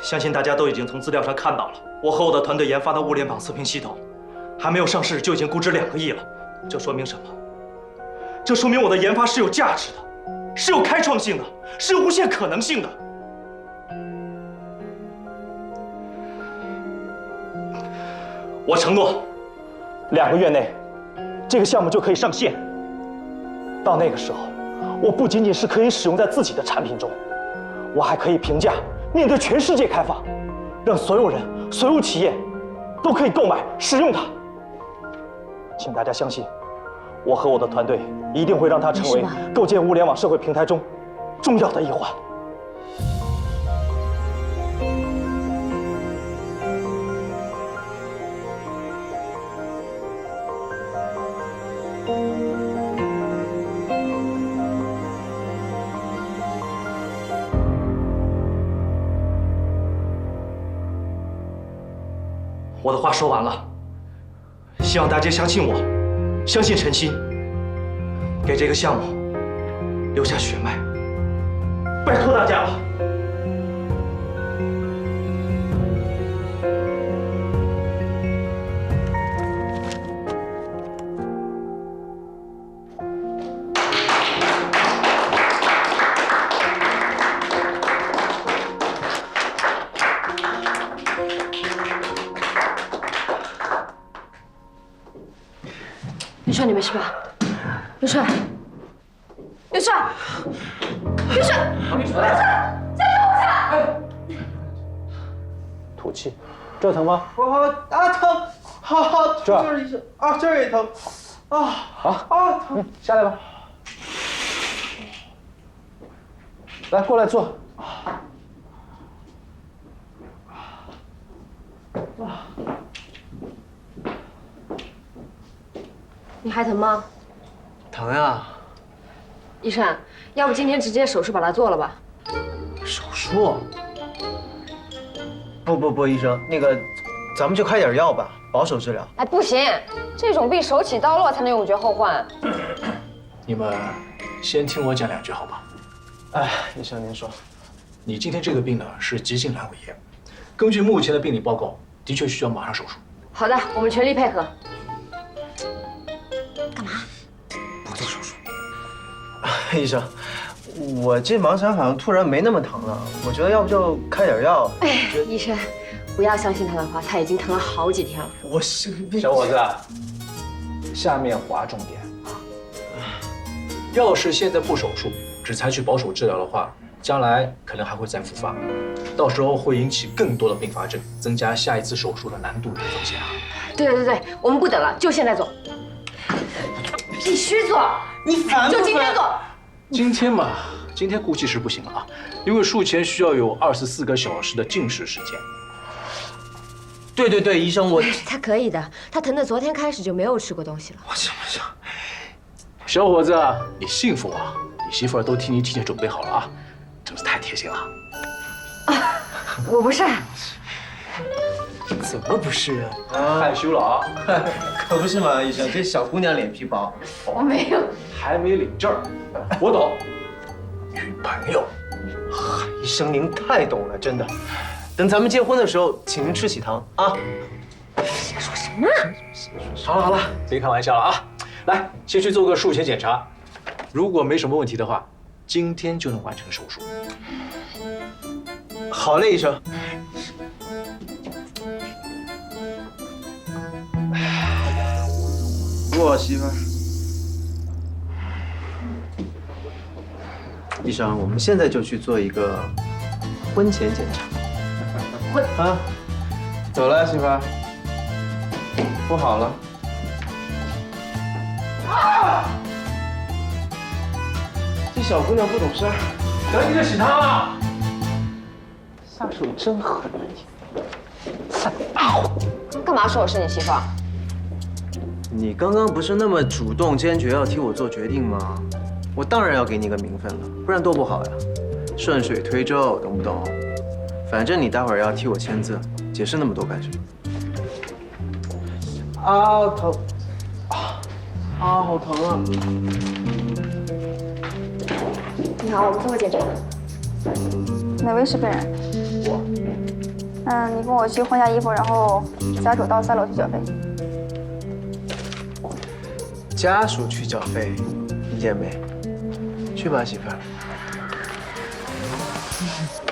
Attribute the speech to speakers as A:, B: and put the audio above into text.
A: 相信大家都已经从资料上看到了，我和我的团队研发的物联网测评系统，还没有上市就已经估值2个亿了。这说明什么？这说明我的研发是有价值的，是有开创性的，是有无限可能性的。我承诺，2个月内，这个项目就可以上线。到那个时候，我不仅仅是可以使用在自己的产品中，我还可以评价面对全世界开放，让所有人、所有企业都可以购买、使用它。请大家相信，我和我的团队一定会让它成为构建物联网社会平台中重要的一环。我的话说完了，希望大家相信我，相信陈鑫，给这个项目留下血脉，拜托大家了。
B: 刘帅，你没事吧？刘帅，刘帅，刘帅，刘帅，加油一下！
A: 吐气，这疼吗？
C: 疼，好，
A: 这儿
C: 就是医生啊，这儿也疼，疼，
A: 下来吧。来，过来坐。
B: 你还疼吗？
C: 疼呀！
B: 医生，要不今天直接手术把它做了吧？
C: 手术？不，医生，那个，咱们就开点药吧，保守治疗。
B: 哎，不行，这种病手起刀落才能永绝后患。
D: 你们先听我讲2句好吧？
C: 哎，医生您说，
D: 你今天这个病呢是急性阑尾炎，根据目前的病理报告，的确需要马上手术。
B: 好的，我们全力配合。
C: 不做手术。医生，我这盲肠好像突然没那么疼了，我觉得要不就开点药。
B: 哎，医生，不要相信他的话，他已经疼了好几天了。
C: 我是
D: 小伙子，下面划重点。要是现在不手术，只采取保守治疗的话，将来可能还会再复发，到时候会引起更多的并发症，增加下一次手术的难度与风险啊。
B: 对，我们不等了，就现在做，必须做，
C: 你烦不烦？
B: 就今天做。
D: 今天嘛，今天估计是不行了啊，因为术前需要有24个小时的静识时间。
C: 对，医生，我
B: 他可以的，他疼的昨天开始就没有吃过东西了。
C: 我行。
D: 小伙子，你幸福啊！你媳妇儿都替你提前准备好了啊，真是太贴心了。
B: 我不是，
C: 怎么不是啊？
D: 害羞了啊？
C: 可不是嘛，医生，这小姑娘脸皮薄。
B: 我没有。
D: 还没领证儿，我懂。女朋友，
C: 医生您太懂了，真的。等咱们结婚的时候，请您吃喜糖啊。
B: 瞎说什么？
D: 好了，别开玩笑了啊！来，先去做个术前检查，如果没什么问题的话，今天就能完成手术。
C: 好嘞，医生。我媳妇儿。医生，我们现在就去做一个婚前检查。啊，走了，媳妇儿。不好了。啊！这小姑娘不懂事儿，
D: 赶紧的洗汤啊！
C: 下手真狠啊你！
B: 干嘛说我是你媳妇儿？
C: 你刚刚不是那么主动坚决要替我做决定吗？我当然要给你个名分了，不然多不好呀！顺水推舟，懂不懂？反正你待会儿要替我签字，解释那么多干什么？啊，疼！好疼啊！
B: 你好，我们做个检查。
E: 哪位是本人？
D: 我，
E: 你跟我去换下衣服，然后家属到3楼去缴费。
C: 家属去缴费，你见没？去吧，媳妇儿。